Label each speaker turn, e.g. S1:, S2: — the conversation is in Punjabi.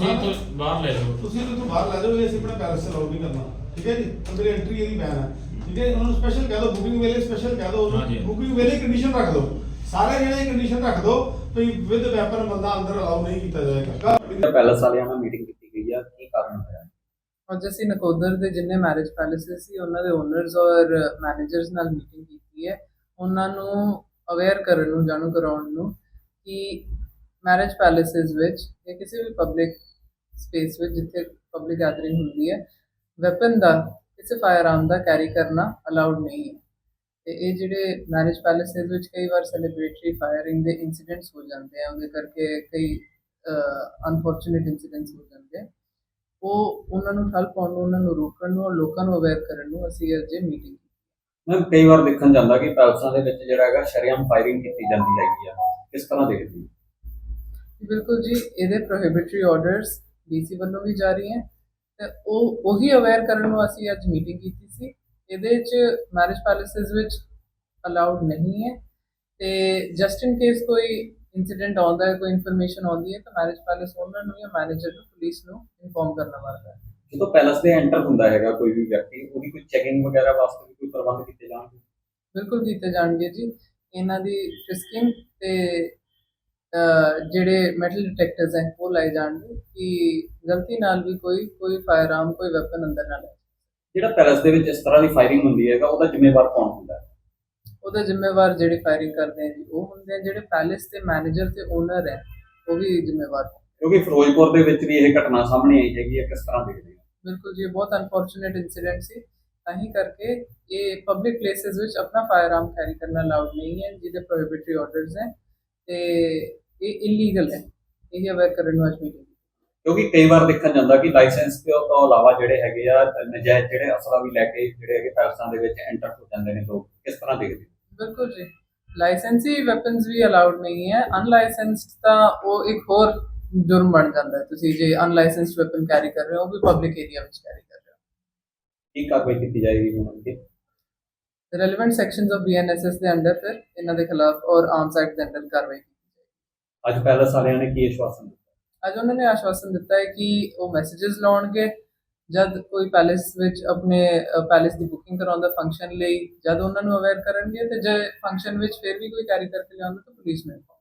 S1: ਤੁਸੀਂ
S2: ਨਾ,
S1: ਇੱਥੋਂ ਬਾਹਰ ਲੈ ਜਾਓ।
S2: ਤੁਸੀਂ ਇਹਨੂੰ ਤੋਂ ਬਾਹਰ ਲੈ ਜਾਓ, ਇਹ ਅਸੀਂ ਆਪਣਾ ਪੈਲਸ ਅਲਾਉ ਨਹੀਂ ਕਰਨਾ, ਠੀਕ ਹੈ ਜੀ। ਅੰਦਰ ਐਂਟਰੀ ਇਹਦੀ ਬੈਨ ਹੈ, ਠੀਕ ਹੈ। ਉਹਨਾਂ ਨੂੰ ਸਪੈਸ਼ਲ ਕਹਿ ਦਿਓ, ਬੁਕਿੰਗ ਵੇਲੇ ਸਪੈਸ਼ਲ ਕਹਿ ਦਿਓ,
S1: ਹਾਂਜੀ।
S2: ਬੁਕਿੰਗ ਵੇਲੇ ਕੰਡੀਸ਼ਨ ਰੱਖ ਦਿਓ, ਸਾਰੇ ਜਿਹੜੇ ਕੰਡੀਸ਼ਨ ਰੱਖ ਦਿਓ ਵੀ ਵਿਦ ਵੈਪਨ ਬੰਦਾ ਅੰਦਰ ਅਲਾਉ ਨਹੀਂ ਕੀਤਾ ਜਾਏਗਾ।
S3: ਪੈਲਸ ਵਾਲਿਆਂ ਨਾਲ ਮੀਟਿੰਗ ਕੀਤੀ ਗਈ ਆ, ਕੀ ਕਾਰਨ ਹੋਇਆ?
S4: ਅੱਜ ਅਸੀਂ ਨਕੋਦਰ ਦੇ ਜਿੰਨੇ ਮੈਰਿਜ ਪੈਲੇਸਿਸ ਸੀ ਉਹਨਾਂ ਦੇ ਓਨਰਸ ਔਰ ਮੈਨੇਜਰਸ ਨਾਲ ਮੀਟਿੰਗ ਕੀਤੀ ਹੈ, ਉਹਨਾਂ ਨੂੰ ਅਵੇਅਰ ਕਰਨ ਨੂੰ, ਜਾਣੂ ਕਰਾਉਣ ਨੂੰ ਕਿ ਮੈਰਿਜ ਪੈਲੇਸਿਸ ਵਿੱਚ ਜਾਂ ਕਿਸੇ ਵੀ ਪਬਲਿਕ ਸਪੇਸ ਵਿੱਚ ਜਿੱਥੇ ਪਬਲਿਕ ਗੈਦਰਿੰਗ ਹੁੰਦੀ ਹੈ, ਵੈਪਨ ਦਾ, ਕਿਸੇ ਫਾਇਰ-ਆਰਮ ਦਾ ਕੈਰੀ ਕਰਨਾ ਅਲਾਉਡ ਨਹੀਂ ਹੈ। ਤੇ ਇਹ ਜਿਹੜੇ ਮੈਰਿਜ ਪੈਲੇਸਿਸ ਵਿੱਚ ਕਈ ਵਾਰ ਸੈਲੀਬ੍ਰੇਟਰੀ ਫਾਇਰਿੰਗ ਦੇ ਇੰਸੀਡੈਂਟਸ ਹੋ ਜਾਂਦੇ ਆ, ਉਹਦੇ ਕਰਕੇ ਕਈ ਅਨਫੋਰਚੂਨੇਟ ਇੰਸੀਡੈਂਟਸ ਹੋ ਜਾਂਦੇ ਆ। ਉਹ ਉਹਨਾਂ ਨੂੰ ਠੱਲ ਪਾਉਣ ਨੂੰ, ਉਹਨਾਂ ਨੂੰ ਰੋਕਣ ਨੂੰ ਔਰ ਲੋਕਾਂ ਨੂੰ ਅਵੇਅਰ ਕਰਨ ਨੂੰ ਅਸੀਂ ਅੱਜ ਇਹ ਮੀਟਿੰਗ ਕੀਤੀ।
S3: ਮੈਂ ਕਈ ਵਾਰ ਦੇਖਣ ਜਾਂਦਾ ਕਿ ਪੈਲਸਾਂ ਦੇ ਵਿੱਚ ਜਿਹੜਾ ਹੈਗਾ ਸ਼ਰੇਆਮ ਫਾਇਰਿੰਗ ਕੀਤੀ ਜਾਂਦੀ ਹੈਗੀ ਆ, ਕਿਸ ਤਰ੍ਹਾਂ ਦੇਖਦੇ ਹੋ?
S4: ਬਿਲਕੁਲ ਜੀ, ਇਹਦੇ ਪ੍ਰੋਹਿਬਿਟਰੀ ਆਰਡਰਸ ਡੀਸੀ ਵੱਲੋਂ ਵੀ ਜਾਰੀ ਹੈ ਤੇ ਉਹੀ ਅਵੇਅਰ ਕਰਨ ਨੂੰ ਅਸੀਂ ਅੱਜ ਮੀਟਿੰਗ ਕੀਤੀ ਸੀ। ਇਹਦੇ 'ਚ ਮੈਰਿਜ ਪੈਲੇਸਿਸ ਵਿੱਚ ਅਲਾਉਡ ਨਹੀਂ ਹੈ ਤੇ ਜਸਟ ਇਨ ਕੇਸ ਕੋਈ ਇੰਸੀਡੈਂਟ ਆਉਂਦਾ ਹੈ, ਕੋਈ ਇਨਫੋਰਮੇਸ਼ਨ ਆਉਂਦੀ ਹੈ ਤਾਂ ਮੈਰਿਜ ਪੈਲੇਸ ਓਨਰ ਨੂੰ ਜਾਂ ਮੈਨੇਜਰ ਨੂੰ, ਪੁਲਿਸ ਨੂੰ ਇਨਫੋਰਮ ਕਰਨਾ ਪੜਦਾ ਹੈ।
S3: ਜਦੋਂ ਪੈਲਸ ਦੇ ਐਂਟਰ ਹੁੰਦਾ ਹੈਗਾ ਕੋਈ ਵੀ ਵਿਅਕਤੀ, ਉਹਦੀ ਕੋਈ ਚੈਕਿੰਗ ਵਗੈਰਾ ਵਾਸਤੇ ਵੀ ਕੋਈ ਪ੍ਰਬੰਧ ਕੀਤੇ ਜਾਣਗੇ?
S4: ਬਿਲਕੁਲ ਕੀਤੇ ਜਾਣਗੇ ਜੀ। ਇਹਨਾਂ ਦੀ ਫਿਸਕਿੰਗ ਤੇ ਜਿਹੜੇ ਮੈਟਲ ਡਿਟੈਕਟਰਸ ਹੈ ਉਹ ਲਾਏ ਜਾਣਗੇ ਕਿ ਗਲਤੀ ਨਾਲ ਵੀ ਕੋਈ ਫਾਇਰ-ਆਰਮ, ਕੋਈ ਵੈਪਨ ਅੰਦਰ ਨਾ ਲੈ।
S3: ਜਿਹੜਾ ਪੈਲਸ ਦੇ ਵਿੱਚ ਇਸ ਤਰ੍ਹਾਂ ਦੀ ਫਾਇਰਿੰਗ ਹੁੰਦੀ ਹੈਗਾ, ਉਹਦਾ ਜ਼ਿੰਮੇਵਾਰ ਕੌਣ ਹੁੰਦਾ ਹੈ?
S4: ਉਹਦਾ ਜ਼ਿੰਮੇਵਾਰ ਜਿਹੜੇ ਫਾਇਰਿੰਗ ਕਰਦੇ ਆ ਜੀ ਉਹ ਹੁੰਦੇ ਆ, ਜਿਹੜੇ ਪੈਲੇਸ ਦੇ ਮੈਨੇਜਰ ਤੇ ਓਨਰ ਹੈ ਉਹ ਵੀ ਜ਼ਿੰਮੇਵਾਰ ਹੈ।
S3: ਕਿਉਂਕਿ ਫਿਰੋਜ਼ਪੁਰ ਦੇ ਵਿੱਚ ਵੀ ਇਹ ਘਟਨਾ ਸਾਹਮਣੇ ਆਈ ਹੈਗੀ ਹੈ, ਕਿਸ ਤਰ੍ਹਾਂ ਦੇਖਦੇ ਹੋ?
S4: ਬਿਲਕੁਲ ਜੀ, ਬਹੁਤ ਅਨਫੋਰਚੂਨੇਟ ਇੰਸੀਡੈਂਟ ਸੀ। ਤਾਂ ਹੀ ਕਰਕੇ ਇਹ ਪਬਲਿਕ ਪਲੇਸਿਸ ਵਿੱਚ ਆਪਣਾ ਫਾਇਰ-ਆਰਮ ਕੈਰੀ ਕਰਨਾ ਅਲਾਉਡ ਨਹੀਂ ਹੈ, ਜਿਹਦੇ ਪ੍ਰੋਹਿਬਿਟਰੀ ਆਰਡਰਸ ਹੈ ਤੇ ਇਹ ਇਲੀਗਲ ਹੈ। ਇਹ ਅਵੇਅਰ ਕਰਨ ਨੂੰ ਅੱਜ ਮੀਟਿੰਗ।
S3: ਕਿਉਂਕਿ ਕਈ ਵਾਰ ਦੇਖਣ ਜਾਂਦਾ ਕਿ ਲਾਇਸੈਂਸ ਤੋਂ ਇਲਾਵਾ ਜਿਹੜੇ ਹੈਗੇ ਆ ਨਜਾਇਜ਼ ਜਿਹੜੇ ਅਸਲਾ ਵੀ ਲੈ ਕੇ ਜਿਹੜੇ ਹੈਗੇ ਪੈਲਸਾਂ ਦੇ ਵਿੱਚ ਐਂਟਰ ਹੋ ਜਾਂਦੇ ਨੇ ਲੋਕ, ਕਿਸ ਤਰ੍ਹਾਂ ਦੇਖਦੇ ਹੋ?
S4: ਬਿਲਕੁਲ ਜੀ, ਲਾਇਸੈਂਸੀ ਵੈਪਨਸ ਵੀ ਅਲਾਉਡ ਨਹੀਂ ਹੈ। ਅਨਲਾਇਸੈਂਸਡ ਤਾਂ ਉਹ ਇੱਕ ਹੋਰ ਜੁਰਮ ਬਣ ਜਾਂਦਾ ਹੈ। ਤੁਸੀਂ ਜੇ ਅਨਲਾਇਸੈਂਸਡ ਵੈਪਨ ਕੈਰੀ ਕਰ ਰਹੇ ਹੋ, ਉਹ ਵੀ ਪਬਲਿਕ ਏਰੀਆ ਵਿੱਚ ਕੈਰੀ ਕਰ ਰਹੇ ਹੋ।
S3: ਕੀ ਕਾਰਵਾਈ ਕੀਤੀ ਜਾਏਗੀ ਹੁਣ ਅੱਗੇ?
S4: ਰੈਲੇਵੈਂਟ ਸੈਕਸ਼ਨਸ ਆਫ BNSS ਦੇ ਅੰਡਰ ਫਿਰ ਇਹਨਾਂ ਦੇ ਖਿਲਾਫ ਔਰ ਆਰਮਸ ਐਕਟ ਦੇ ਅੰਡਰ ਕਾਰਵਾਈ ਕੀਤੀ ਜਾਏਗੀ।
S3: ਅੱਜ ਪੈਲਸ ਵਾਲਿਆਂ ਨੇ ਕੀ ਆਸ਼ਵਾਸਨ ਦਿੱਤਾ?
S4: ਅੱਜ ਉਹਨਾਂ ਨੇ ਆਸ਼ਵਾਸਨ ਦਿੱਤਾ ਹੈ ਕਿ ਉਹ ਮੈਸੇजेस ਲਾਉਣਗੇ ਜਦ ਕੋਈ ਪੈਲੇਸ ਵਿੱਚ ਆਪਣੇ ਪੈਲੇਸ ਦੀ ਬੁਕਿੰਗ ਕਰਾਉਂਦਾ ਫੰਕਸ਼ਨ ਲਈ, ਜਦ ਉਹਨਾਂ ਨੂੰ ਅਵੇਅਰ ਕਰਨਗੇ ਤੇ ਜੇ ਫੰਕਸ਼ਨ ਵਿੱਚ ਫਿਰ ਵੀ ਕੋਈ ਕੈਰੀ ਕਰਕੇ ਲਿਆਉਂਦਾ ਤਾਂ ਪੁਲਿਸ ਨੂੰ